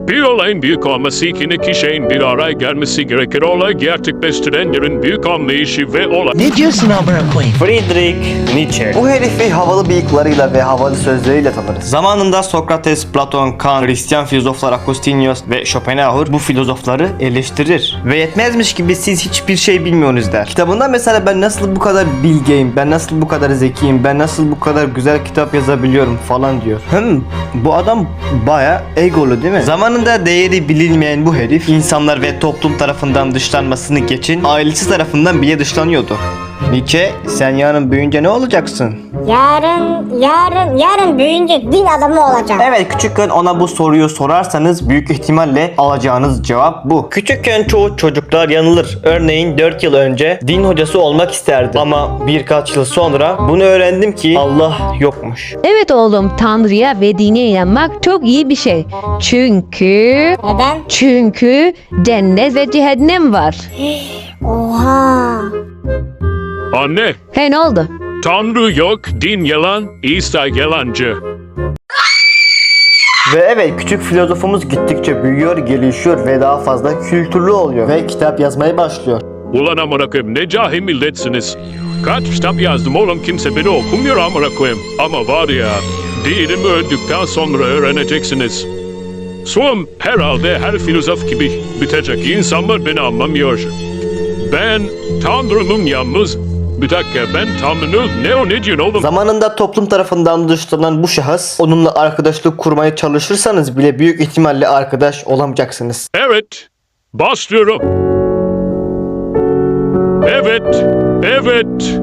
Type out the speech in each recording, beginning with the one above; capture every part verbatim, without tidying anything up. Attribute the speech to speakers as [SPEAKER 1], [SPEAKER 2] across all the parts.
[SPEAKER 1] Bir olayın büyük olması için iki şeyin bir araya gelmesi gerekir. Olay gerçekleştirenlerin büyük anlayışı ve olay...
[SPEAKER 2] Ne diyorsun amına koyayım?
[SPEAKER 3] Friedrich Nietzsche.
[SPEAKER 4] Bu herifi havalı bıyıklarıyla ve havalı sözleriyle tanırız.
[SPEAKER 3] Zamanında Sokrates, Platon, Kant, Hristiyan filozoflar Agustinus ve Schopenhauer bu filozofları eleştirir. Ve yetmezmiş gibi siz hiçbir şey bilmiyorsunuz der. Kitabında mesela ben nasıl bu kadar bilgeyim, ben nasıl bu kadar zekiyim, ben nasıl bu kadar güzel kitap yazabiliyorum falan diyor. Hım, bu adam baya egolu değil mi? Zamanında değeri bilinmeyen bu herif insanlar ve toplum tarafından dışlanmasını geçin ailesi tarafından bile dışlanıyordu. Nietzsche, sen yarın büyüyünce ne olacaksın?
[SPEAKER 5] Yarın, yarın, yarın büyüyünce din adamı olacağım.
[SPEAKER 3] Evet, küçükken ona bu soruyu sorarsanız büyük ihtimalle alacağınız cevap bu. Küçükken çoğu çocuklar yanılır. Örneğin dört yıl önce din hocası olmak isterdi. Ama birkaç yıl sonra bunu öğrendim ki Allah yokmuş.
[SPEAKER 6] Evet oğlum, Tanrı'ya ve dine inanmak çok iyi bir şey. Çünkü...
[SPEAKER 5] Neden?
[SPEAKER 6] Çünkü cennet ve cehennem var.
[SPEAKER 5] Oha.
[SPEAKER 1] Anne,
[SPEAKER 6] He, ne oldu?
[SPEAKER 1] Tanrı yok, din yalan, İsa yalancı.
[SPEAKER 3] Ve evet, küçük filozofumuz gittikçe büyüyor, gelişiyor ve daha fazla kültürlü oluyor. Ve kitap yazmaya başlıyor.
[SPEAKER 1] Ulan amına koyayım, ne cahil milletsiniz. Kaç kitap yazdım oğlum, kimse beni okumuyor amına koyayım. Ama var ya, dinimi öldükten sonra öğreneceksiniz. Sonum herhalde her filozof gibi bitecek. İnsanlar beni anlamıyor. Ben Tanrı'nın yalnız... Bir dakika, ben Tanrı'nın ne o ne diyorsun oğlum?
[SPEAKER 3] Zamanında toplum tarafından dışlanan bu şahıs, onunla arkadaşlık kurmaya çalışırsanız bile büyük ihtimalle arkadaş olamayacaksınız.
[SPEAKER 1] Evet, başlıyorum. Evet, evet.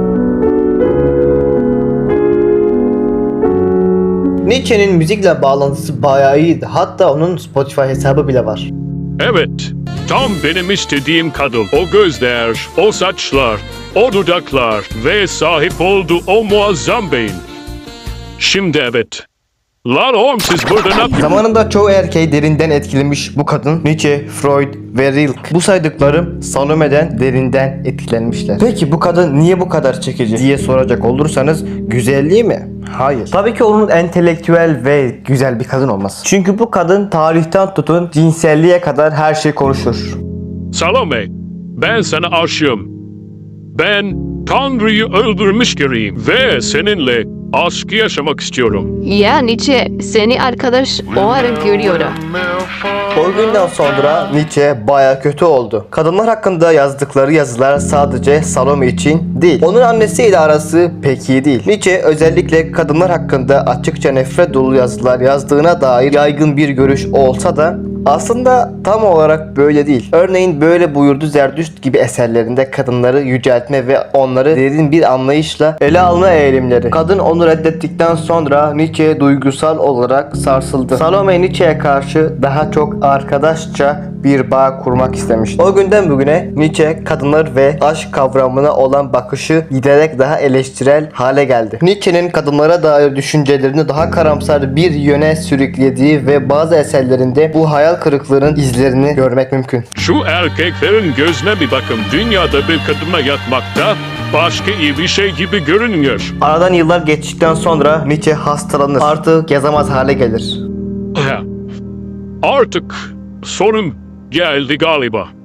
[SPEAKER 3] Nietzsche'nin müzikle bağlantısı bayağı iyiydi. Hatta onun Spotify hesabı bile var.
[SPEAKER 1] Evet, tam benim istediğim kadın. O gözler, o saçlar, o dudaklar ve sahip olduğu o muazzam beyin. Şimdi evet. Lan oğlum siz burada ne yapıyorsunuz?
[SPEAKER 3] Zamanında çoğu erkeği derinden etkilemiş bu kadın Nietzsche, Freud ve Rilke. Bu saydıklarım Salome'den derinden etkilenmişler. Peki bu kadın niye bu kadar çekici diye soracak olursanız güzelliği mi? Hayır. Tabii ki onun entelektüel ve güzel bir kadın olması. Çünkü bu kadın tarihten tutun cinselliğe kadar her şey konuşur.
[SPEAKER 1] Salome, ben sana aşığım. Ben Tanrı'yı öldürmüş gireyim ve seninle aşkı yaşamak istiyorum.
[SPEAKER 6] Ya Nietzsche, seni arkadaş olarak görüyorum.
[SPEAKER 3] O günden sonra Nietzsche baya kötü oldu. Kadınlar hakkında yazdıkları yazılar sadece Salome için değil. Onun annesiyle arası pek iyi değil. Nietzsche özellikle kadınlar hakkında açıkça nefret dolu yazılar yazdığına dair yaygın bir görüş olsa da aslında tam olarak böyle değil. Örneğin böyle buyurdu Zerdüşt gibi eserlerinde kadınları yüceltme ve onları derin bir anlayışla ele alma eğilimleri. Kadın onu reddettikten sonra Nietzsche duygusal olarak sarsıldı. Salome Nietzsche'ye karşı daha çok arkadaşça bir bağ kurmak istemişti. O günden bugüne Nietzsche kadınlar ve aşk kavramına olan bakışı giderek daha eleştirel hale geldi. Nietzsche'nin kadınlara dair düşüncelerini daha karamsar bir yöne sürüklediği ve bazı eserlerinde bu hayal kırıklığının izlerini görmek mümkün.
[SPEAKER 1] Şu erkeklerin gözüne bir bakın. Dünyada bir kadına yatmakta başka iyi bir şey gibi görünmüyor.
[SPEAKER 3] Aradan yıllar geçtikten sonra Nietzsche hastalanır. Artık yazamaz hale gelir.
[SPEAKER 1] Artık sonum geldi galiba.